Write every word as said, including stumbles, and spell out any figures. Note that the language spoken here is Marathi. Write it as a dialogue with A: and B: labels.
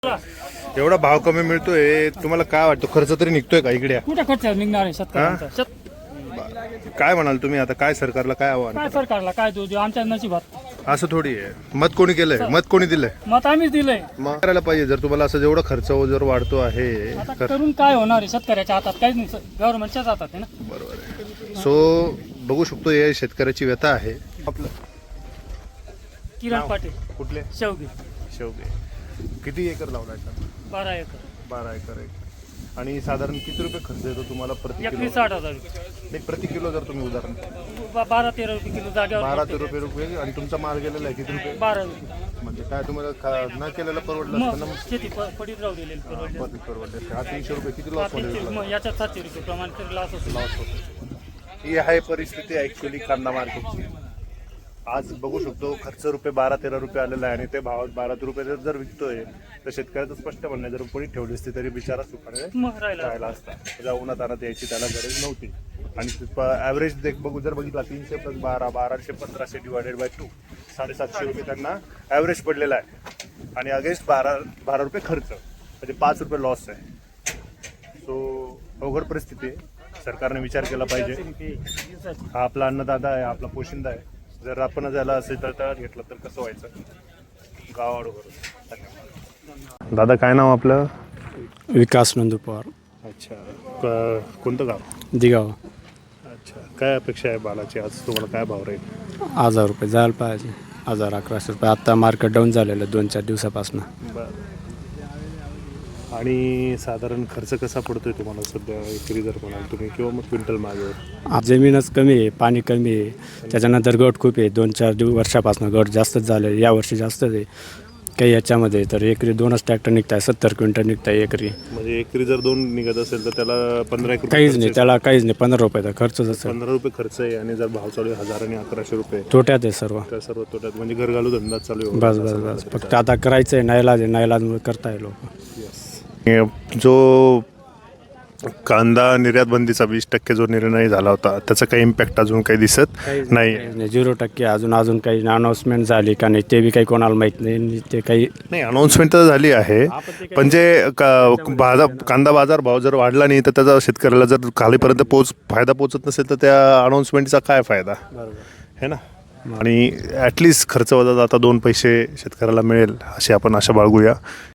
A: एवढा भाव कमी मिळतोय तुम्हाला काय वाटतं खर्च तरी निघतोय का इकडे
B: कुठे खर्च निघणार आहे शेतकऱ्यांचा शेत
A: काय म्हणाल तुम्ही आता काय सरकारला काय आव्हान
B: काय सरकारला काय देऊ देऊ आमच्या नशिबात
A: असं थोडी आहे मत कोणी केलंय मत कोणी दिलंय
B: मत आम्हीच दिलंय
A: मग करायला पाहिजे जर तुम्हाला असं जेवढा खर्च जर वाढतो आहे
B: आता करून काय होणार आहे शेतकऱ्याच्या हातात काहीच नाही गव्हर्नमेंटच्याच हातात आहे ना.
A: बरोबर आहे. सो बघू शकतो हे शेतकऱ्याची व्यथा आहे आपलं
B: किरण
A: नाव?
B: पाटील
A: कुठले
B: शेवगी
A: शेवगे किती एकर लावलाय का
B: बारा एकर
A: बारा एकर आहे आणि साधारण किती रुपये खर्च येतो तुम्हाला प्रति
B: एकरी
A: किलो
B: साठ हजार रुपये.
A: नाही प्रति किलो जर तुम्ही उदाहरण
B: बा- बारा तेरा रुपये किलो जागेवर
A: बारा
B: पडते.
A: ते रुपये रुपये आणि तुमचा माल गेलेला आहे किती रुपये
B: बारा रुपये
A: म्हणजे काय तुम्हाला खा- न केलेलं परवडलं असतं ना
B: मग शेती प- पडीत राहू दिलेली परवडली.
A: मग परवडले असते. हा तीनशे रुपये किती
B: हा,
A: लॉस मध्ये
B: तीनशे-
A: गेला?
B: मग याच्यात सातशे रुपये प्रमाण तरी लॉस होतो
A: लॉस होतो ही आहे परिस्थिती ऍक्च्युली कांदा मार्केटची आज बघू शकतो खर्च रुपये बारा तेरा रुपये आलेला आहे आणि ते भावात बारा रुपये जर जर विकतोय तर शेतकऱ्याचं स्पष्ट म्हणणं आहे, जर कोणी ठेवली असती तरी बिचारा सुखाने
B: मग राहिला
A: राहिला असता त्याच्या उन्हात आणत यायची त्याला गरज नव्हती आणि ॲव्हरेज देख बघू जर बघितला तीनशे प्लस बारा बाराशे पंधराशे डिवायडेड बाय टू साडेसातशे रुपये त्यांना ॲव्हरेज पडलेला आहे आणि अगेन्स्ट बारा बारा रुपये खर्च म्हणजे पाच रुपये लॉस आहे. सो अवघड परिस्थिती आहे सरकारने विचार केला पाहिजे.
B: दिवसाची.
A: हा आपला अन्नदाता आहे आपला पोशिंदा आहे जर आपण त्याला असेल तर तळात घेतलं तर कसं व्हायचं गावाडू धन्यवाद. दादा काय नाव आपलं
C: विकास नंदू पवार
A: अच्छा क- कोणतं गाव
C: दिगाव
A: अच्छा काय अपेक्षा आहे बालाची आज तुम्हाला काय भाव राहील
C: हजार रुपये जायला पाहिजे हजार अकराशे रुपये आत्ता मार्केट डाऊन झालेलं आहे दोन चार दिवसापासून.
A: बरं आणि साधारण खर्च कसा पडतोय तुम्हाला सध्या एकरी जर म्हणाल तुम्ही किंवा मग क्विंटल मागेवर
C: जमीनच कमी आहे पाणी कमी आहे त्याच्यानंतर गट खूप आहे दोन चार दिव वर्षापासून गट जास्तच झाले यावर्षी जास्तच आहे काही याच्यामध्ये तर एकरी दोनच ट्रॅक्टर निघत आहे सत्तर क्विंटल निघत आहे एकरी
A: म्हणजे एकरी जर दोन निघत असेल तर त्याला पंधरा एक रुपये
C: काहीच
A: खर्च
C: नाही
A: आहे.
C: त्याला काहीच नाही पंधरा रुपयाचा खर्चच असेल
A: पंधरा रुपये खर्च आहे आणि जर भाव चालू आहे हजार आणि अकराशे रुपये
C: तोट्यात आहे सर्व
A: तर सर्व तोट्यात म्हणजे घर घालू धंदा चालू आहे
C: बस बस बस फक्त आता करायचं आहे नाईलाज आहे नाईलाजमुळे करताय लोक.
A: जो कांदा निर्यात बंदीचा वीस टक्के जो निर्णय झाला होता त्याचा काही इम्पॅक्ट अजून काही दिसत नाही
C: नाही झिरो टक्के अजून अजून काही अनाऊन्समेंट झाली का नाही ते बी काही कोणाला माहीत नाही आणि ते काही
A: नाही अनाऊन्समेंट तर झाली आहे पण जे का- बाजार कांदा बाजार भाव जर वाढला नाही तर त्याचा शेतकऱ्याला जर खालीपर्यंत पोच फायदा पोचत नसेल तर त्या अनाऊन्समेंटचा काय फायदा है ना आणि ॲटलिस्ट खर्च वजा आता दोन पैसे शेतकऱ्याला मिळेल अशी आपण आशा बाळगूया